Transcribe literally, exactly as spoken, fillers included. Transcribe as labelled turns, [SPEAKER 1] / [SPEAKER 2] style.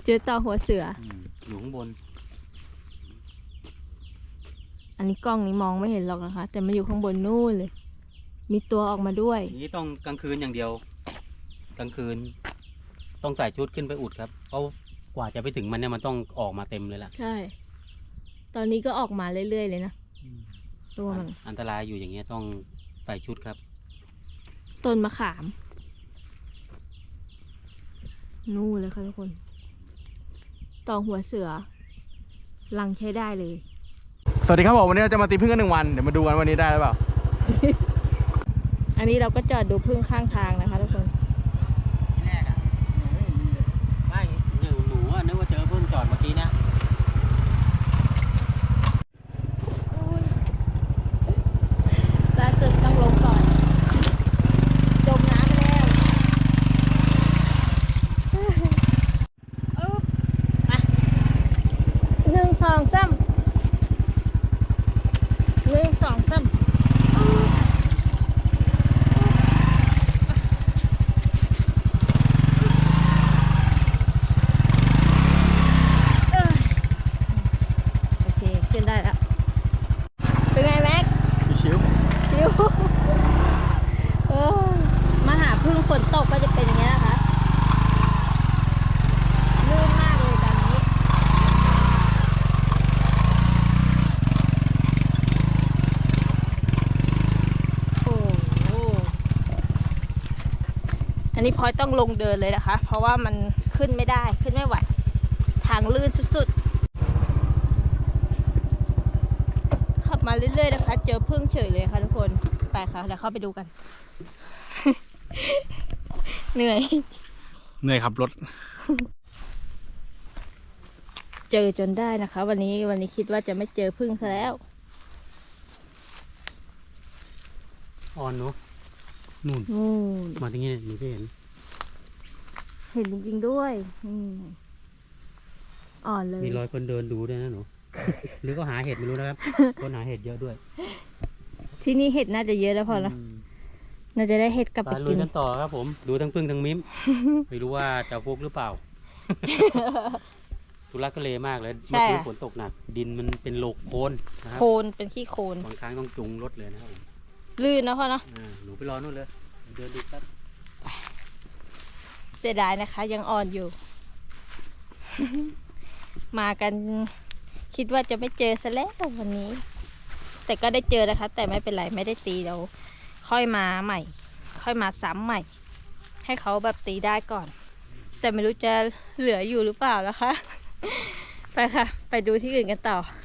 [SPEAKER 1] เจอต่อหัวเสือ
[SPEAKER 2] อยู่ข้างบน
[SPEAKER 1] อันนี้กล้องนี้มองไม่เห็นหรอกนะคะแต่มันอยู่ข้างบนนู่นเลยมีตัวออกมาด้วย
[SPEAKER 2] นี้ต้องกลางคืนอย่างเดียวกลางคืนต้องใส่ชุดขึ้นไปอุดครับเพราะกว่าจะไปถึงมันเนี่ยมันต้องออกมาเต็มเลยล่ะ
[SPEAKER 1] ใช่ตอนนี้ก็ออกมาเรื่อยๆเลยนะตัวมัน
[SPEAKER 2] อันตรายอยู่อย่างเงี้ยต้องใส่ชุดครับ
[SPEAKER 1] ต้นมะขามนู่นเลยค่ะทุกคนต่อหัวเสือลังใช้ได้เลย
[SPEAKER 3] สวัสดีครับผมวันนี้เราจะมาตีพึ่งกันหนึ่งวันเดี๋ยวมาดูกันวันนี้ได้หรือเปล่า
[SPEAKER 1] อันนี้เราก็จอดดูพึ่งข้างทางนะคะทุกคน
[SPEAKER 2] ที่แรกอ่ะไม่หนูหนูอ่ะนึกว่าเจอพึ่งจอดเมื่อกี้นะ
[SPEAKER 1] ล่าสุดต้องลงก่อนจมน้ำไปแล้วมาหนึ่งสองสามหนึ่งสองสามโอเคขึ้นได้แล้วเป็นไงแม็ก
[SPEAKER 3] ชิว
[SPEAKER 1] ชิวเออมาหาพึ่งฝนตกก็จะเป็นอย่างนี้นะคะลื่นมากเลยตอนนี้โอ้โหอันนี้พลอยต้องลงเดินเลยนะคะเพราะว่ามันขึ้นไม่ได้ขึ้นไม่ไหวทางลื่นสุดๆขับมาเรื่อยๆนะคะเจอพึ่งเฉยเลยค่ะทุกคนไปค่ะเดี๋ยวเข้าไปดูกัน เหนื่อย
[SPEAKER 3] เหนื่อยขับรถ
[SPEAKER 1] เจอจนได้นะคะวันนี้วันนี้คิดว่าจะไม่เจอพึ่งซะแล้ว
[SPEAKER 2] อ่อนเนาะนู่นมาที่นี่หนูก็เห็น
[SPEAKER 1] เห็นจริงๆด้วยอ่อนเลย
[SPEAKER 2] มีรอยคนเดินดูด้วยนะหนู หรือก็หาเห็ดไม่รู้นะครับ คนหาเห็ดเยอะด้วย
[SPEAKER 1] ที่นี่เห็ดน่าจะเยอะแล้วพอละน่าจะได้เห็ดกลับไปกิน
[SPEAKER 2] กันต่อครับผมดูทั้งพึ่งทั้งมิ้ม ไม่รู้ว่าจะฟุกหรือเปล่า ทุลักทุเลมากเลยเมื่อคืนฝนตกหนักดินมันเป็นโลกโคลนนะครับ
[SPEAKER 1] โคลนเป็นขี้โคลน
[SPEAKER 2] บางครั้งต้องจุงรถเลยนะครับผม
[SPEAKER 1] ลื่นนะพ่อเนาะ
[SPEAKER 2] หนูไปรอนู่นเลยเดินดูครับ
[SPEAKER 1] เสียดายนะคะยังอ่อนอยู่ มากันคิดว่าจะไม่เจอซะแล้ววันนี้แต่ก็ได้เจอนะคะแต่ไม่เป็นไรไม่ได้ตีเราค่อยมาใหม่ค่อยมาซ้ำใหม่ให้เขาแบบตีได้ก่อนแต่ไม่รู้จะเหลืออยู่หรือเปล่านะคะ ไปค่ะไปดูที่อื่นกันต่อ